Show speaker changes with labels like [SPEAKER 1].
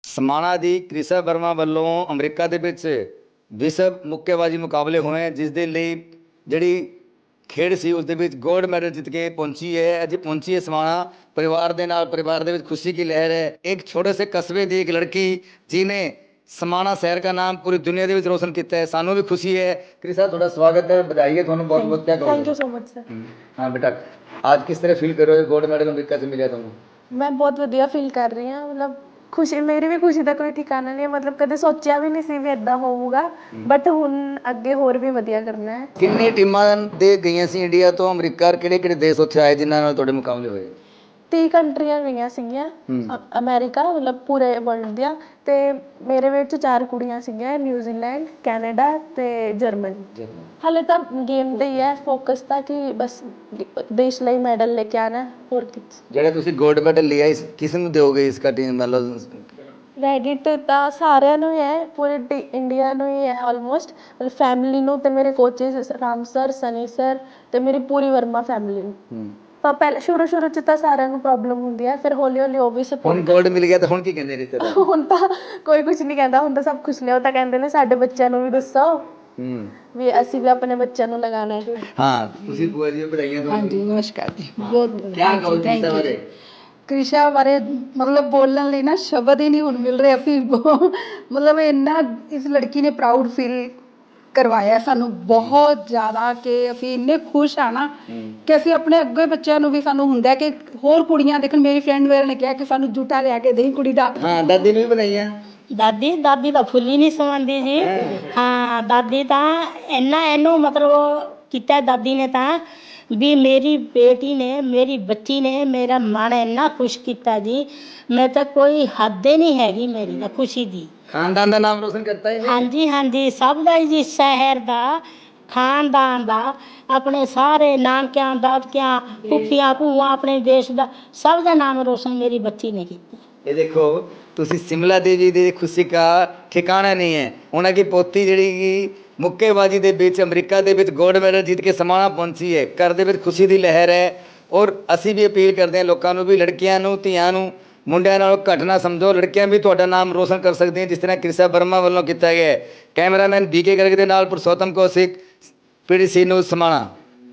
[SPEAKER 1] ਸਮਾਣਾ ਦੀ ਕ੍ਰਿਸ਼ਾ ਵਰਮਾ ਵੱਲੋਂ ਅਮਰੀਕਾ ਦੇ ਵਿੱਚ ਵਿਸ਼ਵ ਮੁੱਕੇਬਾਜ਼ੀ ਮੁਕਾਬਲੇ ਹੋਏ, ਜਿਸ ਦੇ ਲਈ ਜਿਹੜੀ ਖੇਡ ਸੀ ਉਸ ਦੇ ਵਿੱਚ ਗੋਲਡ ਮੈਡਲ ਜਿੱਤ ਕੇ ਪਹੁੰਚੀ ਹੈ। ਅੱਜ ਪਹੁੰਚੀ ਹੈ ਸਮਾਣਾ परिवार ਦੇ ਨਾਲ। परिवार ਦੇ ਵਿੱਚ खुशी की लहर है। एक छोटे से कस्बे ਦੀ एक लड़की जिन्हें ਸਮਾਣਾ शहर का नाम पूरी दुनिया ਦੇ ਵਿੱਚ रोशन ਕੀਤਾ है। ਸਾਨੂੰ ਵੀ खुशी है। ਕ੍ਰਿਸ਼ਾ ਤੁਹਾਡਾ ਸਵਾਗਤ है, बधाई है ਤੁਹਾਨੂੰ बहुत बहुत। क्या कहोगे?
[SPEAKER 2] Thank you so much sir.
[SPEAKER 1] हाँ बेटा, आज किस तरह फील कर रहे हो? गोल्ड मेडल अमेरिका से मिला ਤੁਹਾਨੂੰ?
[SPEAKER 2] मैं बहुत ਵਧੀਆ ਫੀਲ ਕਰ ਰਹੀ ਹਾਂ। ਮਤਲਬ ਖੁਸ਼ੀ, ਮੇਰੀ ਵੀ ਖੁਸ਼ੀ ਦਾ ਕੋਈ ਠਿਕਾਣਾ ਨਹੀਂ ਹੈ। ਮਤਲਬ ਕਦੇ ਸੋਚਿਆ ਵੀ ਨਹੀਂ ਸੀ ਵੀ ਇਦਾਂ ਹੋਊਗਾ, ਬਟ ਹੁਣ ਅੱਗੇ ਹੋਰ ਵੀ ਵਧੀਆ ਕਰਨਾ ਹੈ।
[SPEAKER 1] ਕਿੰਨੀ ਟੀਮਾਂ ਦੇ ਗਈਆਂ ਸੀ ਇੰਡੀਆ ਤੋਂ ਅਮਰੀਕਾ? ਕਿਹੜੇ ਕਿਹੜੇ ਦੇਸ਼ ਉੱਥੇ ਆਏ ਜਿਨ੍ਹਾਂ ਨਾਲ ਤੁਹਾਡੇ ਮੁਕਾਬਲੇ ਹੋਏ?
[SPEAKER 2] 30 ਕੰਟਰੀਆਂ ਗਈਆਂ ਸੀਗੀਆਂ, ਅਮਰੀਕਾ ਮਤਲਬ ਪੂਰੇ ਵਰਲਡ ਦੀਆਂ। ਤੇ ਮੇਰੇ ਵਿੱਚ 4 ਕੁੜੀਆਂ ਸੀਗੀਆਂ, ਨਿਊਜ਼ੀਲੈਂਡ, ਕੈਨੇਡਾ ਤੇ ਜਰਮਨੀ। ਹਾਲੇ ਤਾਂ ਗੇਮ ਤੇ ਹੀ ਹੈ ਫੋਕਸ, ਤਾਂ ਕਿ ਬਸ ਦੇਸ਼ ਲਈ ਮੈਡਲ ਲੈ ਕੇ ਆਣਾ, ਹੋਰ ਕੁਝ।
[SPEAKER 1] ਜਿਹੜੇ ਤੁਸੀਂ ਗੋਲਡ ਮੈਡਲ ਲਿਆ ਇਸ ਕਿਸ ਨੂੰ ਦਿਓਗੇ? ਇਸ ਦਾ ਟੀਮ ਮਤਲਬ
[SPEAKER 2] ਕ੍ਰੈਡਿਟ ਤਾਂ ਸਾਰਿਆਂ ਨੂੰ ਹੀ ਹੈ, ਪੂਰੇ ਇੰਡੀਆ ਨੂੰ ਹੀ ਹੈ ਆਲਮੋਸਟ। ਮਤਲਬ ਫੈਮਿਲੀ ਨੂੰ ਤੇ ਮੇਰੇ coaches Ram sir, Sunny sir ਤੇ ਮੇਰੀ ਪੂਰੀ ਵਰਮਾ ਫੈਮਿਲੀ ਨੂੰ। ਤਾਂ ਪਹਿਲੇ ਸ਼ੁਰੂ ਚ ਤਾਂ ਸਾਰਿਆਂ ਨੂੰ ਪ੍ਰੋਬਲਮ ਹੁੰਦੀ ਹੈ, ਫਿਰ ਹੌਲੀ ਹੌਲੀ ਉਹ ਵੀ
[SPEAKER 1] ਹੁਣ
[SPEAKER 2] ਸਪੋਰਟ।
[SPEAKER 1] ਗੋਲਡ ਮਿਲ ਗਿਆ ਤਾਂ ਹੁਣ ਕੀ ਕਹਿੰਦੇ ਰਿਸ਼ਤੇਦਾਰ?
[SPEAKER 2] ਹੁਣ ਤਾਂ ਕੋਈ ਕੁਝ ਨਹੀਂ ਕਹਿੰਦਾ, ਹੁਣ ਤਾਂ ਸਭ ਖੁਸ਼ ਨੇ। ਉਹ ਤਾਂ ਕਹਿੰਦੇ ਨੇ ਸਾਡੇ ਬੱਚਿਆਂ ਨੂੰ ਵੀ ਦੱਸੋ ਵੀ ਅਸੀਂ ਵੀ ਆਪਣੇ ਬੱਚਿਆਂ ਨੂੰ ਲਗਾਉਣਾ ਹੈ।
[SPEAKER 1] ਹਾਂ, ਤੁਸੀਂ ਭੂਆ ਜੀ ਵਧਾਈਆਂ ਤੁਹਾਨੂੰ।
[SPEAKER 3] ਹਾਂਜੀ ਨਮਸਕਾਰ ਜੀ। ਬਹੁਤ
[SPEAKER 1] ਕੀ ਕਹੋਗੇ
[SPEAKER 3] ਥੈਂਕ
[SPEAKER 1] ਕ੍ਰਿਸ਼ਾ
[SPEAKER 3] ਯੂ।
[SPEAKER 1] ਬਾਰੇ?
[SPEAKER 3] ਕ੍ਰਿਸ਼ਾ ਬਾਰੇ ਮਤਲਬ ਬੋਲਣ ਲਈ ਨਾ ਸ਼ਬਦ ਹੀ ਨਹੀਂ ਹੁਣ ਮਿਲ ਰਹੇ। ਅਸੀਂ ਮਤਲਬ ਇੰਨਾ ਇਸ ਲੜਕੀ ਨੇ ਪ੍ਰਾਊਡ ਫੀਲ ਕਰਵਾਇਆ ਸਾਨੂੰ ਬਹੁਤ ਜ਼ਿਆਦਾ, ਕਿ ਅਸੀਂ ਇੰਨੇ ਖੁਸ਼ ਆ ਨਾ ਕਿ ਅਸੀਂ ਆਪਣੇ ਅੱਗੇ ਬੱਚਿਆਂ ਨੂੰ ਵੀ, ਸਾਨੂੰ ਹੁੰਦਾ ਕਿ ਹੋਰ ਕੁੜੀਆਂ ਦੇਖਣ। ਮੇਰੀ ਫਰੈਂਡ ਵਗੈਰਾ ਨੇ ਕਿਹਾ ਕਿ ਸਾਨੂੰ ਜੂਠਾ ਲਿਆ ਕੇ ਦੇਈ ਕੁੜੀ ਦਾ।
[SPEAKER 1] ਹਾਂ, ਦਾਦੀ ਨੂੰ ਵੀ ਵਧਾਈਆਂ।
[SPEAKER 4] ਦਾਦੀ ਤਾਂ ਫੁੱਲੀ ਨਹੀਂ ਸਮਾਉਂਦੀ ਜੀ। ਹਾਂ, ਦਾਦੀ ਤਾਂ ਇਹਨੂੰ ਮਤਲਬ ਕੀਤਾ ਦਾਦੀ ਨੇ ਤਾਂ ਵੀ ਮੇਰੀ ਬੇਟੀ ਨੇ, ਮੇਰੀ ਬੱਚੀ ਨੇ ਮੇਰਾ ਮਨ ਇੰਨਾ ਖੁਸ਼ ਕੀਤਾ ਜੀ। ਮੈਂ ਤਾਂ ਕੋਈ ਹੱਦ ਹੀ ਨਹੀਂ ਹੈਗੀ ਮੇਰੀ ਤਾਂ ਖੁਸ਼ੀ ਦੀ।
[SPEAKER 1] ਖਾਨਦਾਨ ਦਾ ਨਾਮ ਰੋਸ਼ਨ ਕਰਤਾ ਹੈ।
[SPEAKER 4] ਹਾਂਜੀ ਹਾਂਜੀ, ਸਭ ਦਾ ਜੀ, ਸ਼ਹਿਰ ਦਾ, ਖਾਨਦਾਨ ਦਾ, ਆਪਣੇ ਸਾਰੇ ਨਾਨਕਿਆਂ, ਦਾਦਕਿਆਂ, ਫੁੱਫੀਆਂ, ਭੂਆ, ਆਪਣੇ ਦੇਸ਼ ਦਾ, ਸਭ ਦਾ ਨਾਮ ਰੋਸ਼ਨ ਮੇਰੀ ਬੱਚੀ ਨੇ ਕੀਤਾ।
[SPEAKER 1] ये देखो, ਤੁਸੀਂ ਸਿਮਲਾ ਦੇਵੀ ਦੀ ਖੁਸ਼ੀ ਦਾ ਠਿਕਾਣਾ ਨਹੀਂ ਹੈ। ਉਹਨਾਂ ਦੀ ਪੋਤੀ ਜਿਹੜੀ ਕਿ ਮੁੱਕੇਬਾਜ਼ੀ ਦੇ ਵਿੱਚ ਅਮਰੀਕਾ ਦੇ ਵਿੱਚ ਗੋਲਡ ਮੈਡਲ ਜਿੱਤ ਕੇ ਸਮਾਣਾ ਪਹੁੰਚੀ ਹੈ। ਘਰ ਦੇ ਵਿੱਚ ਖੁਸ਼ੀ ਦੀ ਲਹਿਰ ਹੈ। ਔਰ ਅਸੀਂ ਵੀ ਅਪੀਲ ਕਰਦੇ ਹਾਂ ਲੋਕਾਂ ਨੂੰ ਵੀ ਲੜਕੀਆਂ ਨੂੰ, ਧੀਆਂ ਨੂੰ ਮੁੰਡਿਆਂ ਨਾਲੋਂ ਘੱਟ ਨਾ ਸਮਝੋ। ਲੜਕੀਆਂ ਵੀ ਤੁਹਾਡਾ ਨਾਮ ਰੋਸ਼ਨ ਕਰ ਸਕਦੀਆਂ, ਜਿਸ ਤਰ੍ਹਾਂ ਕ੍ਰਿਸ਼ਾ ਵਰਮਾ ਵੱਲੋਂ ਕੀਤਾ ਗਿਆ ਹੈ। ਕੈਮਰਾਮੈਨ BK ਗਰਗ ਦੇ ਨਾਲ ਪੁਰਸ਼ੋਤਮ ਕੌਸ਼ਿਕ, PDC ਨਿਊਜ਼ ਸਮਾਣਾ।